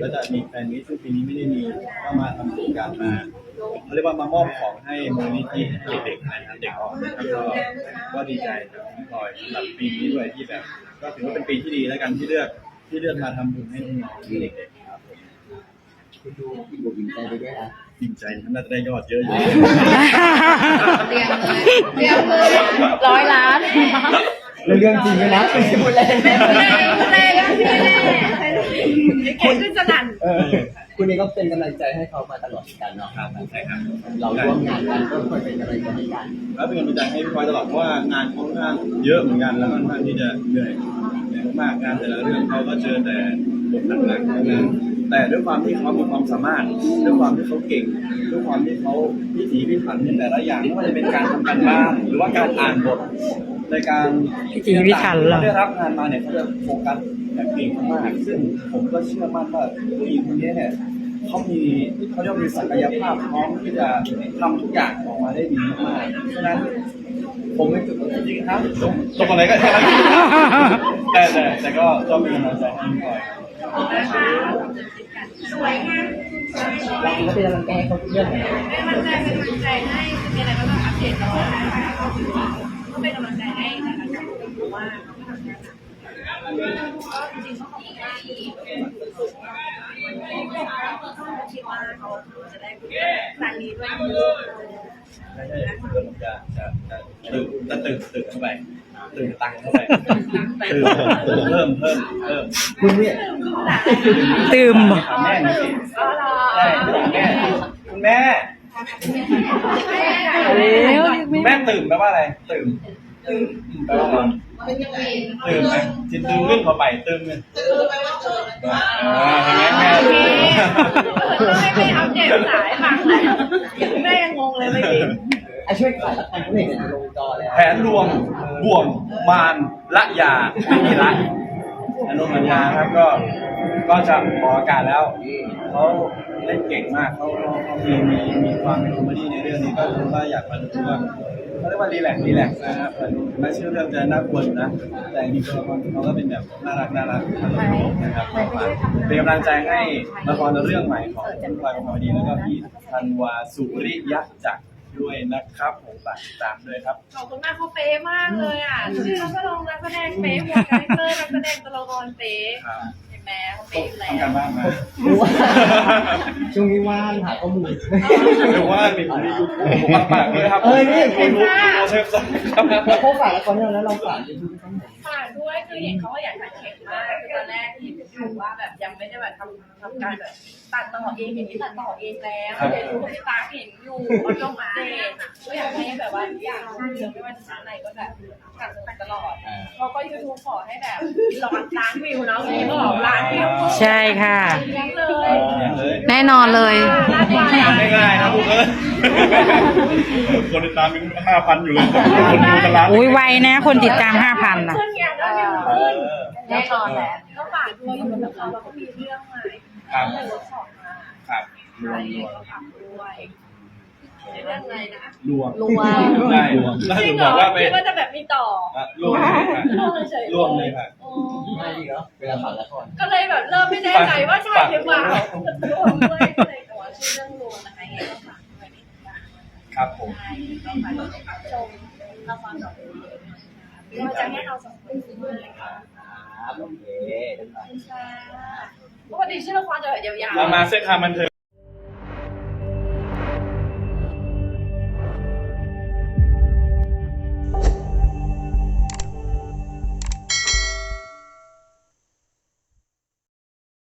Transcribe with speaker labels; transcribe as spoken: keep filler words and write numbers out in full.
Speaker 1: แล้วจะมีแฟนนี้ซึ่งปีนี้ไม่ได้มีก็มาทำกิจกรรมมาเขาเรียกว่ามามอบของให้มูลนิธิเด็กๆนะครับเด็กอ่อนนะครับก็ก็ดีใจครับพี่พลอยสำหรับปีนี้ด้วยที่แบบก็ถือว่าเป็นปีที่ดีแล้วกันที่เลือกที่เลือกมาทำบุญให้น้องๆเด็กๆครับผม
Speaker 2: คุณดูอิ่มอกอิ่มใจไปด้วยนะ
Speaker 1: ดีใจน่าจะได้ยอดเยอะอยู่
Speaker 3: เตรียมเลยเตรียมเลยร้อยล้าน
Speaker 2: เรื่องจริงเลยนะไม่ใช่พูดเล่น
Speaker 3: ไม่พูดเล่นพูดเล่นพูดเล่นเก่งขึ้นสนั่น
Speaker 2: คุณนี่ก็เป็นกำลังใจให้เขามาตลอดกันเนาะ
Speaker 1: ครับใช่ครับ
Speaker 2: เราร่วมงานกันก็คอยเป็นกำลังใจให้กัน
Speaker 1: แล้วเป็นกำลังใจให้พี่พลอยตลอดเพราะว่างานค่อนข้างเยอะเหมือนกันแล้วค่อนข้างที่จะเหนื่อยเหนื่อยมากงานแต่ละเรื่องเขาก็เจอแต่บทหนักๆทั้งนั้นแต่ด้วยความที่เขามีความสามารถด้วยความที่เขาเก่งด้วยความที่เขาพิถีพิถันในแต่ละอย่างไม่ว่าจะเป็นการทำการบ้านหรือว่าการอ่านบทในการ
Speaker 4: พิถีพิถันเหรอ
Speaker 1: เขาได้รับงานมาเนี่ยเขาจะโฟกัสแบบเก่งมากซึ่งผมก็เชื่อมั่นว่าผู้หญิงคนนี้เนี่ยเขามีเขาเรียกมีศักยภาพพร้อมที่จะทำทุกอย่างออกมาได้ดีมากๆฉะนั้นผมไม่จุดจริงๆครับตรงอะไรก็ได้แต่แต่แต่ก็ต้องมีกำลังใจให้หน่อย
Speaker 3: สวยงาม
Speaker 2: เราก็เป็นกำลังใจให้เขาเรื่องไหน
Speaker 3: เป็นกำลังใจเป็นกำลังใจให้มีอะไรก็ต้องอัปเดตตลอดก็เป็นกำลังใจให้นะคะเพราะว่าก็จริงๆเขาของง่ายคิดว่าเขาจะได้ครั้งนี้ด้วย
Speaker 1: ใช่ใช่เริ่มจะจะจะตื่นจะตื่นตื่นเข้าไปตื่นตังเข้าไปตื่นเพิ่มเพิ่มเพิ่ม
Speaker 2: คุณเนี่ย
Speaker 4: ตื่ม
Speaker 1: แม่นี่ใช่แม่คุณแม่แม่ตื่นแปลว่าอะไรตื่นตื่นแปลว่าอะไรตื่นไหมจิตตื่นขึ้นเข้าไปตื่นเลยอ่าเห็นไหมแม่
Speaker 3: ต้องให้ไม่อัปเดตสายฟังเลยแม่ยังงงเลยเมื่อกี้
Speaker 2: ไอ้ช่วยขายละครเขาเห็นในลงจอแล้ว
Speaker 1: แผนรวมบ่วงมารละยาไม่มีละอนุมัญญาครับก็ก็จะออกอากาศแล้วเขาเล่นเก่งมากเขาเขามีมีมีความเป็นคอมเมดี้ในเรื่องนี้ก็คือว่าอยากมาดูว่าเขาเรียกว่ารีแลกซ์รีแลกซ์นะครับไม่ชื่อเรื่องจะน่ากลัวนะแต่จริงๆตัวละครเขาก็เป็นแบบน่ารักน่ารักนะครับเป็นกำลังใจให้ละครเรื่องใหม่ของคุณพลอยคอมเมดี้แล้วก็พี่ธันวาสุริยะจักรด้วยนะครับผมฝากติดตามด้วยครับ
Speaker 3: ขอบคุณมากเขาเป๊ะมากเลยอ่ะชื่อนักแสดงนักแสดงเป๊ะหมดคาแรคเตอร์นักแสดงตัวละครเป๊ะเห็นไหมเขาเป๊ะอยู่แล้ว
Speaker 1: ทำการบ้านมา
Speaker 2: ช่วงนี้ว่างหาข้อมูล
Speaker 1: หรือว่ามีมียูทูบผมฝากด้วยครับ
Speaker 2: เออนี่
Speaker 1: ยูทูบเชฟซังครับ
Speaker 2: แล้วเขาฝากละครให้เราแล้วเราฝากยูทูบช่องไหน
Speaker 3: ฝากด้วยคือเห็นเขาว่าอยากตัดเข็มมากคือตอนแรกที่ถือว่าแบบยังไม่ได้แบบทำทำการแบบตัดต่อเองอย่างนี้ตัดต่อเองแล้วเดี๋ยวดูที่ตาเห็นอยู่เขาลงมาเองก็อยากให้แบบว่าอยากช่างเยอะไม่ว่าจะชั้นไหนก็แบบตัดตัดตลอดเขาก็ยูทูบขอให้แบบร้อยล้านวิวเนาะพี่บอกล้านวิว
Speaker 4: ใช่ค่ะ
Speaker 3: เลย
Speaker 4: แน่นอนเลย
Speaker 1: ง่ายๆนะพวกเอ้ยคนติดตามมีห้าพันอยู่เลยคนดูตลาด
Speaker 4: อุ้ยไวนะคนติดตามห้าพันนะ
Speaker 3: ขึ้นอย่างนั้นขึ้นแน่นอนแหละก็ฝากด้วยอยู่กับเราเราก็มีเรื่องใหม่
Speaker 1: ครับ
Speaker 3: เวิร์กช็อปมา
Speaker 1: ครับ
Speaker 3: รวมก็ฝากด้วยเรื่องอะไรนะ
Speaker 1: รวม
Speaker 3: รวม
Speaker 1: ได้รวมแล้วถึงบอกว่าไป
Speaker 3: คิดว่าจะแบบมีต่อ
Speaker 1: รวมเลยค่ะรวมเลยค่ะ
Speaker 2: ไม่ดีเหรอเวลาฝากละคร
Speaker 3: ก็เลยแบบเริ่มไม่แน่ใจว่าใช่หรือเปล่ารวมด้วยก็เลยแต่ว่าชื่อเรื่องรวมนะคะยังต้องฝากด้วย
Speaker 1: ครับผม
Speaker 3: ต้องฝากชมละครสองคนเราจะให้เราสองคนด้วย
Speaker 2: ครับโอเค
Speaker 3: ปกติชื่อละครจะแบบยาว
Speaker 1: ๆเรามาเส้นทางบันเทิง